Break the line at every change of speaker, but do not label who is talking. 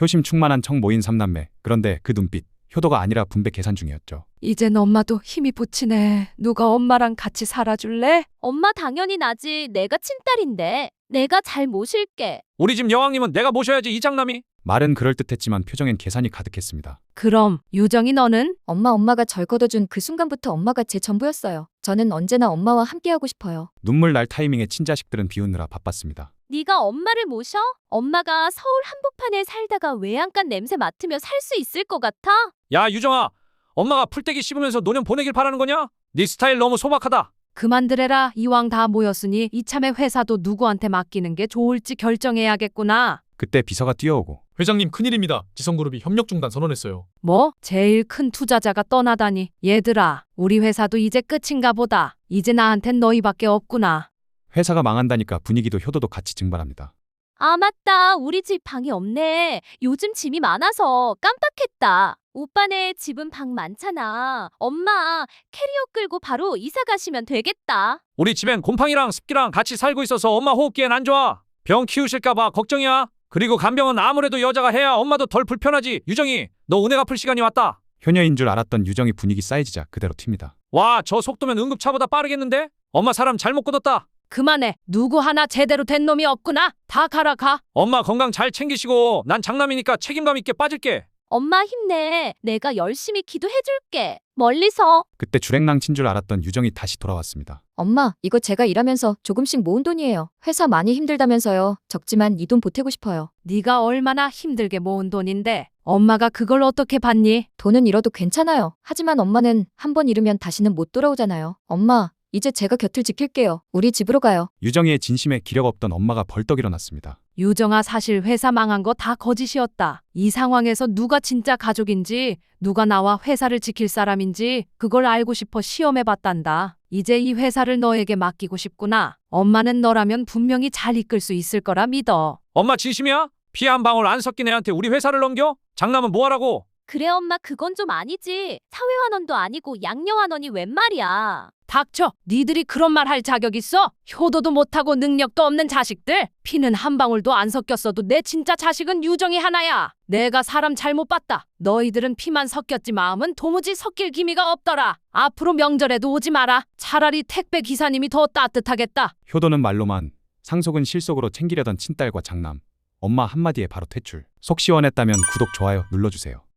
효심 충만한 청 모인 삼남매. 그런데 그 눈빛, 효도가 아니라 분배 계산 중이었죠.
이젠 엄마도 힘이 붙이네. 누가 엄마랑 같이 살아줄래?
엄마 당연히 나지. 내가 친딸인데. 내가 잘 모실게.
우리 집 여왕님은 내가 모셔야지, 이 장남이.
말은 그럴듯했지만 표정엔 계산이 가득했습니다.
그럼 유정이 너는?
엄마가 절 걷어준 그 순간부터 엄마가 제 전부였어요. 저는 언제나 엄마와 함께하고 싶어요.
눈물 날 타이밍에 친자식들은 비우느라 바빴습니다.
네가 엄마를 모셔? 엄마가 서울 한복판에 살다가 외양간 냄새 맡으며 살 수 있을 것 같아?
야, 유정아. 엄마가 풀떼기 씹으면서 노년 보내길 바라는 거냐? 네 스타일 너무 소박하다.
그만들래라. 이왕 다 모였으니 이참에 회사도 누구한테 맡기는 게 좋을지 결정해야겠구나.
그때 비서가 뛰어오고
회장님 큰일입니다. 지성그룹이 협력 중단 선언했어요.
뭐? 제일 큰 투자자가 떠나다니. 얘들아, 우리 회사도 이제 끝인가 보다. 이제 나한텐 너희밖에 없구나.
회사가 망한다니까 분위기도 효도도 같이 증발합니다.
아, 맞다. 우리 집 방이 없네. 요즘 짐이 많아서 깜빡했다. 오빠네 집은 방 많잖아. 엄마, 캐리어 끌고 바로 이사 가시면 되겠다.
우리 집엔 곰팡이랑 습기랑 같이 살고 있어서 엄마 호흡기엔 안 좋아. 병 키우실까봐 걱정이야. 그리고 간병은 아무래도 여자가 해야 엄마도 덜 불편하지. 유정이, 너 은혜 갚을 시간이 왔다.
효녀인 줄 알았던 유정이 분위기 쌓이지자 그대로 튑니다.
와, 저 속도면 응급차보다 빠르겠는데? 엄마 사람 잘못 끊었다.
그만해. 누구 하나 제대로 된 놈이 없구나. 다 가라 가.
엄마 건강 잘 챙기시고 난 장남이니까 책임감 있게 빠질게.
엄마 힘내. 내가 열심히 기도해줄게. 멀리서.
그때 주랭랑 친 줄 알았던 유정이 다시 돌아왔습니다.
엄마, 이거 제가 일하면서 조금씩 모은 돈이에요. 회사 많이 힘들다면서요. 적지만 이 돈 보태고 싶어요.
네가 얼마나 힘들게 모은 돈인데 엄마가 그걸 어떻게 받니?
돈은 잃어도 괜찮아요. 하지만 엄마는 한 번 잃으면 다시는 못 돌아오잖아요. 엄마, 이제 제가 곁을 지킬게요. 우리 집으로 가요.
유정이의 진심에 기력 없던 엄마가 벌떡 일어났습니다.
유정아, 사실 회사 망한 거 다 거짓이었다. 이 상황에서 누가 진짜 가족인지, 누가 나와 회사를 지킬 사람인지 그걸 알고 싶어 시험해봤단다. 이제 이 회사를 너에게 맡기고 싶구나. 엄마는 너라면 분명히 잘 이끌 수 있을 거라 믿어.
엄마 진심이야? 피 한 방울 안 섞인 애한테 우리 회사를 넘겨? 장남은 뭐하라고?
그래, 엄마, 그건 좀 아니지. 사회환원도 아니고 양녀환원이 웬 말이야.
닥쳐. 니들이 그런 말 할 자격 있어? 효도도 못하고 능력도 없는 자식들. 피는 한 방울도 안 섞였어도 내 진짜 자식은 유정이 하나야. 내가 사람 잘못 봤다. 너희들은 피만 섞였지 마음은 도무지 섞일 기미가 없더라. 앞으로 명절에도 오지 마라. 차라리 택배 기사님이 더 따뜻하겠다.
효도는 말로만, 상속은 실속으로 챙기려던 친딸과 장남. 엄마 한마디에 바로 퇴출. 속 시원했다면 구독, 좋아요 눌러주세요.